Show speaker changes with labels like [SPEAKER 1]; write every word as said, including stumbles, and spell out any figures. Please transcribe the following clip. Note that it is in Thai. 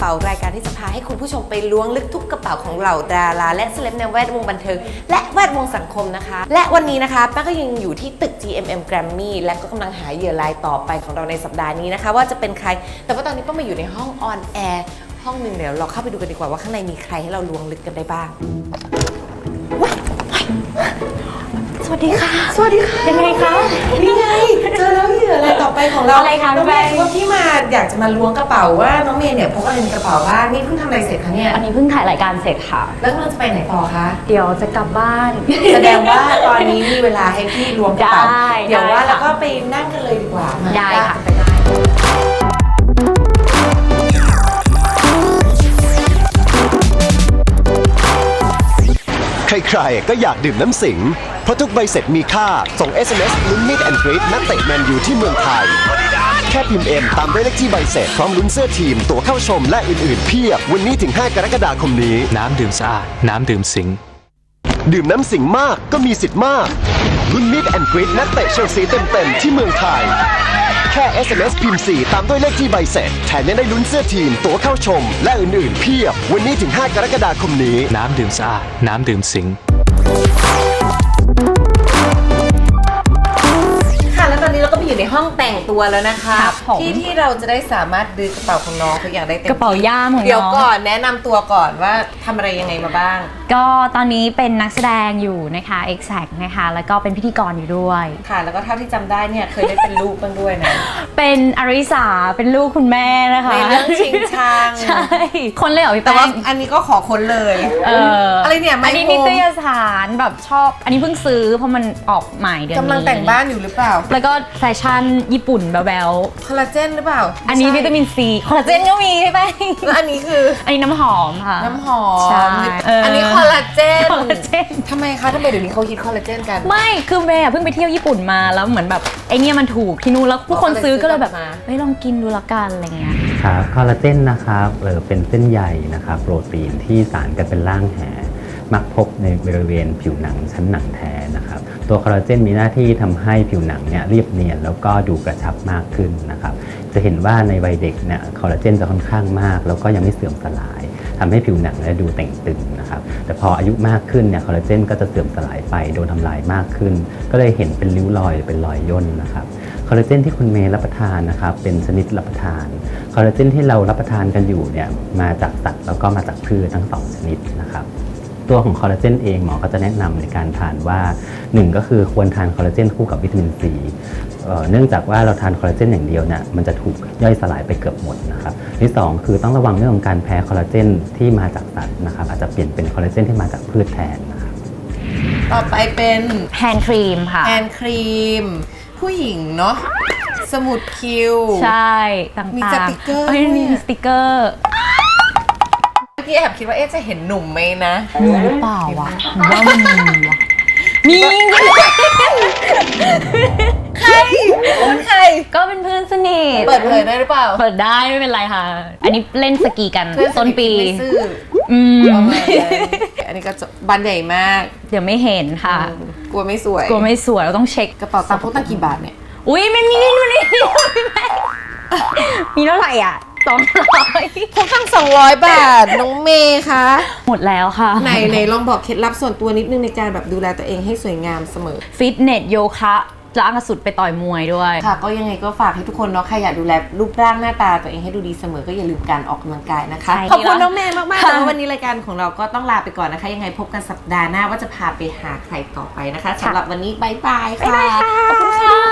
[SPEAKER 1] ารายการที่จะพาให้คุณผู้ชมไปล้วงลึกทุกกระเป๋าของเหล่าดาราและเซเลบในแวดวงบันเทิงและแวดวงสังคมนะคะและวันนี้นะคะแป้งก็ยังอยู่ที่ตึก จี เอ็ม เอ็ม Grammy และก็กำลังหาเหยื่อรายต่อไปของเราในสัปดาห์นี้นะคะว่าจะเป็นใครแต่ว่าตอนนี้ต้องมาอยู่ในห้องออนแอร์ห้องหนึ่งเดี๋ยวเราเข้าไปดูกันดีกว่าว่าข้างในมีใครให้เราล้วงลึกกันได้บ้างสวัสดีค่ะสวัสดีค่ะ
[SPEAKER 2] ยังไงคะ
[SPEAKER 1] นี่ไงเจอแล้วเหยื่ออะไรต่อไปของเรา
[SPEAKER 2] อะไรคะ
[SPEAKER 1] น้องเมย์ว่าที่มาอยากจะมาล้วงกระเป๋าว่าน้องเมย์เนี่ยพกอะไรในกระเป๋าบ้างนี่เพิ่งทำอะไรเสร็จคะเนี่ย
[SPEAKER 2] อันนี้เพิ่งถ่ายรายการเสร็จค่ะ
[SPEAKER 1] แล้วเราจะไปไหนต่อคะ
[SPEAKER 2] เดี๋ยวจะกลับบ้าน
[SPEAKER 1] แสดงว่าตอนนี้มีเวลาให้พี่ล้วงกระเป๋า
[SPEAKER 2] ได้
[SPEAKER 1] เดี๋ยวว่า
[SPEAKER 2] ได้ค่ะ
[SPEAKER 1] แล้วก็ไปนั่งกันเลยดีกว่ามา
[SPEAKER 2] ได้ค่ะ
[SPEAKER 1] ไปได้
[SPEAKER 3] ใครๆก็อยากดื่มน้ำสิงเพราะทุกใบเสร็จมีค่าส่ง เอส เอ็ม เอส ลุ้นมิดแอนด์กรีดนักเตะแมนยูที่เมืองไทยแค่พิมพ์เอ็มตามด้วยเลขที่ใบเสร็จพร้อมลุ้นเสื้อทีมตั๋วเข้าชมและอื่นๆเพียบวันนี้ถึงห้ากรกฎาคมนี้
[SPEAKER 4] น้ำดื่มสะอาดน้ำดื่มสิง
[SPEAKER 3] ดื่มน้ำสิงมากก็มีสิทธิ์มากลุ้นมิดแอนด์กรีดนักเตะเชลซีเต็มๆที่เมืองไทยแค่ เอส เอ็ม เอส พิมพ์สี่ตามด้วยเลขที่ใบเสร็จแถมยังได้ลุ้นเสื้อทีมตั๋วเข้าชมและอื่นๆเพียบวันนี้ถึงห้ากรกฎาคมนี้
[SPEAKER 4] น้ำดื่มสะอาดน้ำดื่มสิง
[SPEAKER 1] ค่ะแล้วตอนนี้เราก็ไปอยู่ในห้องแต่งตัวแล้วนะคะ
[SPEAKER 2] ครับผม
[SPEAKER 1] ที่ที่เราจะได้สามารถดื้อกระเป๋าของน้องทุกอย่างได้เต็ม
[SPEAKER 2] กระเป๋าย่ามของน้อง
[SPEAKER 1] เดี๋ยวก่อนแนะนำตัวก่อนว่าทำอะไรยังไงมาบ้าง
[SPEAKER 2] ก็ตอนนี้เป็นนักแสดงอยู่นะคะ Exact นะคะแล้วก็เป็นพิธีกรอยู่ด้วย
[SPEAKER 1] ค่ะแล้วก็เท่าที่จำได้เนี่ยเคยได้เป็นลูกบ้างด้วยนะ
[SPEAKER 2] เป็นอริสาเป็นลูกคุณแม่นะคะ
[SPEAKER 1] ในเรื่องชิงชัง
[SPEAKER 2] ใช่คนเลยเหรอพี่
[SPEAKER 1] แต่
[SPEAKER 2] แป้
[SPEAKER 1] ว่าง อันนี้ก็ขอคนเลย
[SPEAKER 2] เออ
[SPEAKER 1] อะไรเนี่ยไม
[SPEAKER 2] อันนี้
[SPEAKER 1] โคร
[SPEAKER 2] นิตยสารแบบชอบอันนี้เพิ่งซื้อเพราะมันออกใหม่เดือนนี้
[SPEAKER 1] กำลังแต่งบ้านอยู่หรือเปล่า
[SPEAKER 2] แล้วก็แฟชั่นญี่ปุ่นแบ๊ว
[SPEAKER 1] คอลลาเจนหรือเปล่า
[SPEAKER 2] ๆอันนี้วิตามินซีคอลลาเจนก็มีใช่ไหม
[SPEAKER 1] แล้วอันนี้คือ
[SPEAKER 2] อันนี้น้ำหอมค่ะ
[SPEAKER 1] น้ำหอม
[SPEAKER 2] ใช่เอออั
[SPEAKER 1] อันนี้คอลลาเจน
[SPEAKER 2] คอลลาเจน
[SPEAKER 1] ทำไมคะทำไมเดี๋ยวนี้เขาฮิตคอลลาเจนกัน
[SPEAKER 2] ไม่คือเมย์อะเพิ่งไปเที่ยวญี่ปุ่นมาแล้วเหมือนแบบไอเนี้ยมันถูกที่นู่นแล้วทุกคนซื้อก็เลยแบบเฮ้ยลองกินดูละกันอะไรเงี้ย
[SPEAKER 5] ครับคอลลาเจนนะครับเออเป็นเส้นใยนะครับโปรตีนที่สารกันเป็นร่างแหมักพบในบริเวณผิวหนังชั้นหนังแท้นะครับตัวคอลลาเจนมีหน้าที่ทำให้ผิวหนังเนี่ยเรียบเนียนแล้วก็ดูกระชับมากขึ้นนะครับจะเห็นว่าในวัยเด็กเนี่ยคอลลาเจนจะค่อนข้างมากแล้วก็ยังไม่เสื่อมสลายทำให้ผิวหนังเนี่ยดูเต่งตึงนะครับแต่พออายุมากขึ้นเนี่ยคอลลาเจนก็จะเสื่อมสลายไปโดนทำลายมากขึ้นก็เลยเห็นเป็นริ้วรอยหรือเป็นรอยย่นนะครับคอลลาเจนที่คุณเมย์รับประทานนะครับเป็นชนิดรับประทานคอลลาเจนที่เรารับประทานกันอยู่เนี่ยมาจากสัตว์แล้วก็มาจากพืชทั้งสองชนิดนะครับตัวของคอลลาเจนเองหมอก็จะแนะนำในการทานว่าหนึ่งก็คือควรทานคอลลาเจนคู่กับวิตามินซีเนื่องจากว่าเราทานคอลลาเจนอย่างเดียวเนี่ยมันจะถูกย่อยสลายไปเกือบหมดนะครับที่สองคือต้องระวังเรื่องของการแพ้คอลลาเจนที่มาจากสัตว์นะครับอาจจะเปลี่ยนเป็นคอลลาเจนที่มาจากพืชแทนนะครับ
[SPEAKER 1] ต่อไปเป็น
[SPEAKER 2] แฮนด์ครีมค่ะ
[SPEAKER 1] แฮนด์ครีมผู้หญิงเนาะสมุดคิว
[SPEAKER 2] ใช่ต่างๆ
[SPEAKER 1] มีสติกเกอร์
[SPEAKER 2] เอ้ยมีสติกเกอร์
[SPEAKER 1] เมื่อกี้แอบคิดว่าเอ๊ะจะเห็นหนุ่มไหมนะ
[SPEAKER 2] มีหรือเปล่าวะหรือว่ามันมีวะมี
[SPEAKER 1] ใครเป็นใคร
[SPEAKER 2] ก็เป็นเพื่อนสนิท
[SPEAKER 1] เปิดเผยได้หรือเปล่า
[SPEAKER 2] เปิดได้ไม่เป็นไรค่ะอันนี้เล่นสกีกันต้นปี
[SPEAKER 1] ไม่ซื่อ
[SPEAKER 2] อืม
[SPEAKER 1] อันนี้ก็บันใหญ่มาก
[SPEAKER 2] เดี๋ยวไม่เห็นค่ะ
[SPEAKER 1] กลัวไม่สวย
[SPEAKER 2] กลัวไม่สวยเราต้องเช็ค
[SPEAKER 1] กระเป๋าตังค์พกตั้งกี่บาทเนี่ย
[SPEAKER 2] อุ้ยไม่มีนี่ดูนี่มีเท่าไหร่อ่ะสองร้อย
[SPEAKER 1] พกตั้งสองร้อยบาทน้องเมย์คะ
[SPEAKER 2] หมดแล้วค่ะ
[SPEAKER 1] ไหนไหนลองบอกเคล็ดลับส่วนตัวนิดนึงในการแบบดูแลตัวเองให้สวยงามเสมอ
[SPEAKER 2] ฟิตเนสโยคะล้างกระสุดไปต่อยมวยด้วย
[SPEAKER 1] ค่ะก็ยังไงก็ฝากให้ทุกคนเนาะใครอยากดูแลรูปร่างหน้าตาตัวเองให้ดูดีเสมอก็อย่าลืมการออกกำลังกายนะคะขอบคุณน้องเมย์มากๆแต่ว่าวันนี้รายการของเราก็ต้องลาไปก่อนนะคะยังไงพบกันสัปดาห์หน้าว่าจะพาไปหาใครต่อไปนะคะสำหรับวันนี้บ๊ายบายค่ะขอบคุณค่ะ